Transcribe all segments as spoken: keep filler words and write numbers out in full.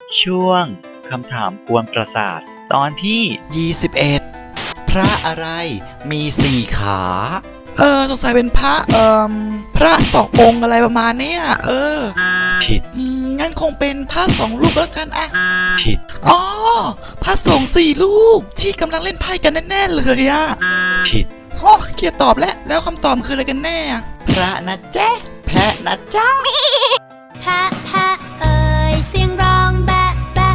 ช่วงคำถามกวนประสาทตอนที่ยี่สิบเอ็ดพระอะไรมีสี่ขาเออสงสัยเป็นพระเอ่อพระสององค์อะไรประมาณเนี้ยเออผิดอืมงั้นคงเป็นพระสองลูกแล้วกันอะผิดอ๋อพระสงฆ์สี่ลูกที่กำลังเล่นไพ่กันแน่ๆเลยอะผิดโอ้เกียร์ตอบแล้วแล้วคำตอบคืออะไรกันแน่พระนะเจ๊แพะนะจ๊ะแพะแพะเอ่ยเสียงร้องแบะแบะ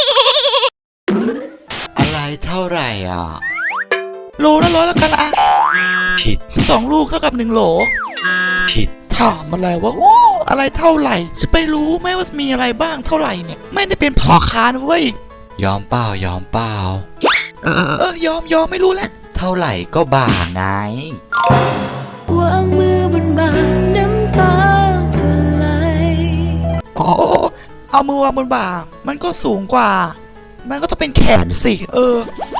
อะไรเท่าไหร่อ่ะโลละร้อยแล้วกันละผิดสิบสองลูกเท่ากับหนึ่งโหลผิดถามอะไรวะโอ้อะไรเท่าไหร่จะไปรู้ไหมว่ามีอะไรบ้างเท่าไหร่เนี่ยไม่ได้เป็นพ่อค้านะเว้ยยอมเปล่ายอมเปล่าเออเออยอมยอมไม่รู้แล้วเท่าไหร่ก็บ่าไงวางมือบนบ่าน้ำตาก็ไหลอ๋อเอามือวางบนบ่ามันก็สูงกว่ามันก็ต้องเป็นแขนสิเออ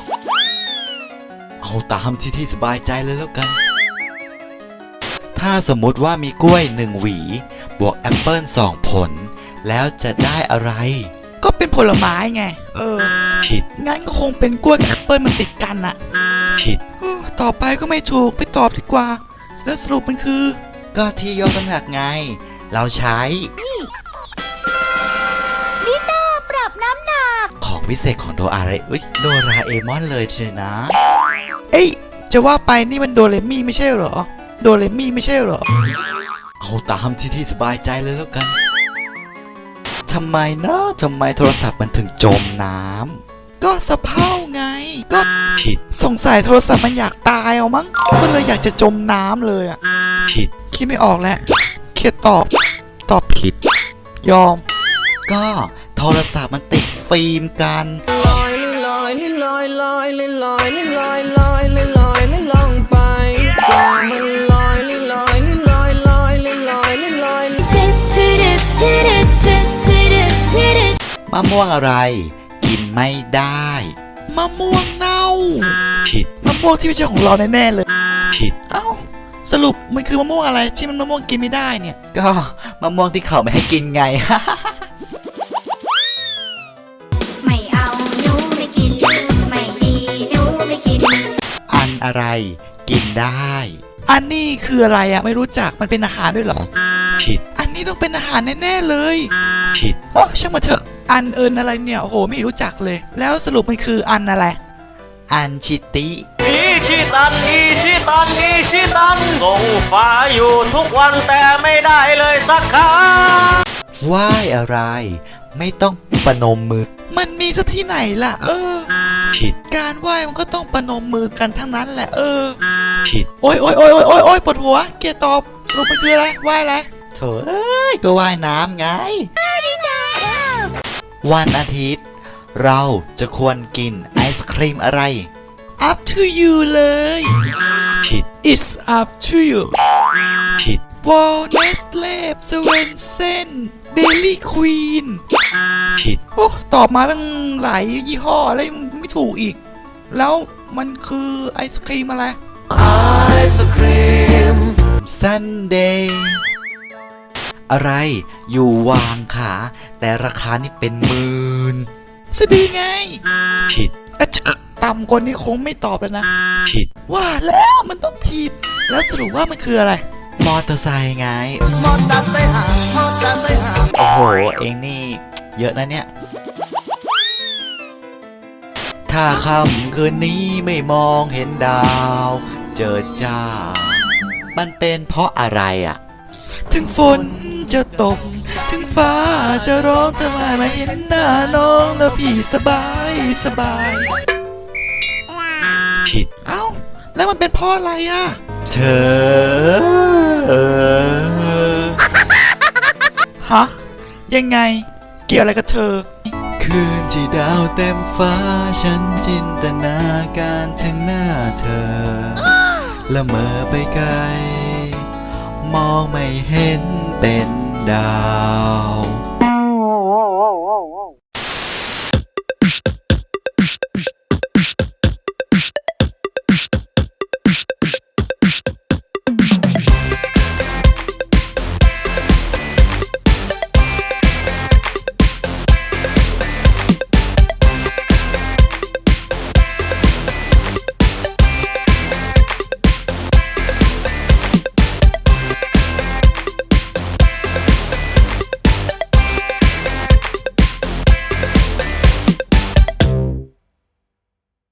เอาตามที่ที่สบายใจเลยแล้วกันถ้าสมมุติว่ามีกล้วยหนึ่งหวีบวกแอปเปิลสองผลแล้วจะได้อะไรก็เป็นผลไม้ไงเออผิดงั้นก็คงเป็นกล้วยกับแอปเปิลมันติดกันอะผิดต่อไปก็ไม่ถูกไปตอบดีกว่าแล้วสรุปมันคือก็ที่ยกน้ำหนักไงเราใช้มิเตอร์ปรับน้ำหนักของพิเศษของโดอาเรเอ้ยโดราเอมอนเลยเชียวนะเอ้ยจะว่าไปนี่มันโดเรมี่ไม่ใช่เหรอโดเรมี่ไม่ใช่เหรอเอาตามที่ที่สบายใจเลยแล้วกันทำไมนะทำไมโทรศัพท์มันถึงจมน้ำก็สะเพร่าไงก็ผิดสงสัยโทรศัพท์มันอยากตายเอามั้งก็เลยอยากจะจมน้ำเลยอ่ะผิดคิดไม่ออกแล้วเคตอบตอบผิดยอมก็โทรศัพท์มันติดฟิล์มกันลอยลอยลอยลอยลอยลอยลอยลอยลอยลอยลองไปก็มันลอยลอยลอยลอยลอยลอยมะม่วงอะไรกินไม่ได้มะม่วงเน่าผิดมะม่วงที่ไม่ใช่ของเราแน่ๆเลยผิดเอ้าสรุปมันคือมะม่วงอะไรที่มันมะม่วงกินไม่ได้เนี่ยก็มะม่วงที่เขาไม่ให้กินไงไม่เอาหนูไม่กินไม่ดีหนูไม่กินอันอะไรกินได้อันนี้คืออะไรอ่ะไม่รู้จักมันเป็นอาหารด้วยเหรอผิดอันนี้ต้องเป็นอาหารแน่ๆเลยผิดโอ้ช่างมาเถอะอันเอิญอะไรเนี่ยโอ้โหไม่รู้จักเลยแล้วสรุปมันคืออันอะไรอันชิติอีชิตันอีชิตันอีชิตันส่งฟ้าอยู่ทุกวันแต่ไม่ได้เลยสักครั้งไหว้อะไรไม่ต้องประนมมือมันมีซะที่ไหนล่ะเออผิดการไหว้มันก็ต้องประนมมือกันทั้งนั้นแหละเออผิดโอ้ยโอ้ยโอ้ยโอ้ยโอ้ยโอ้ยปวดหัวเกียร์ตอบสรุปมันคืออะไรไหว้อะไรโถเอ้ยก็ว่ายน้ำไงวันอาทิตย์เราจะควรกินไอศครีมอะไร up to you เลยผิด it's up to you ผิด Walt Nestle Swensen Dairy Queen ผิดโอ้ตอบมาตั้งหลายยี่ห้อแล้วไม่ถูกอีกแล้วมันคือไอศครีมอะไรไอศครีม Sundayอะไรอยู่วางขาแต่ราคานี่เป็นหมื่นสดีไงผิดอะเจอต่ำกว่านี้คงไม่ตอบแล้วนะผิดว่าแล้วมันต้องผิดแล้วสรุปว่ามันคืออะไรมอเตอร์ไซค์ไงมอเตอร์ไซค์หามอเตอร์ไซค์หาโอ้โหเองนี่เยอะนะเนี่ยถ้าค่ำคืนนี้ไม่มองเห็นดาวเจอจ้ามันเป็นเพราะอะไรอ่ะถึงฝนจะตกถึงฟ้าจะร้องแต่ไม่มาเห็นหน้าน้องแล้วพี่สบายสบายผิดเอ้าแล้วมันเป็นเพราะอะไรอ่ะเธอฮะยังไงเกี่ยวอะไรกับเธอคืนที่ดาวเต็มฟ้าฉันจินตนาการถึงหน้าเธอละเมอไปไกลมองไม่เห็นเป็นดาว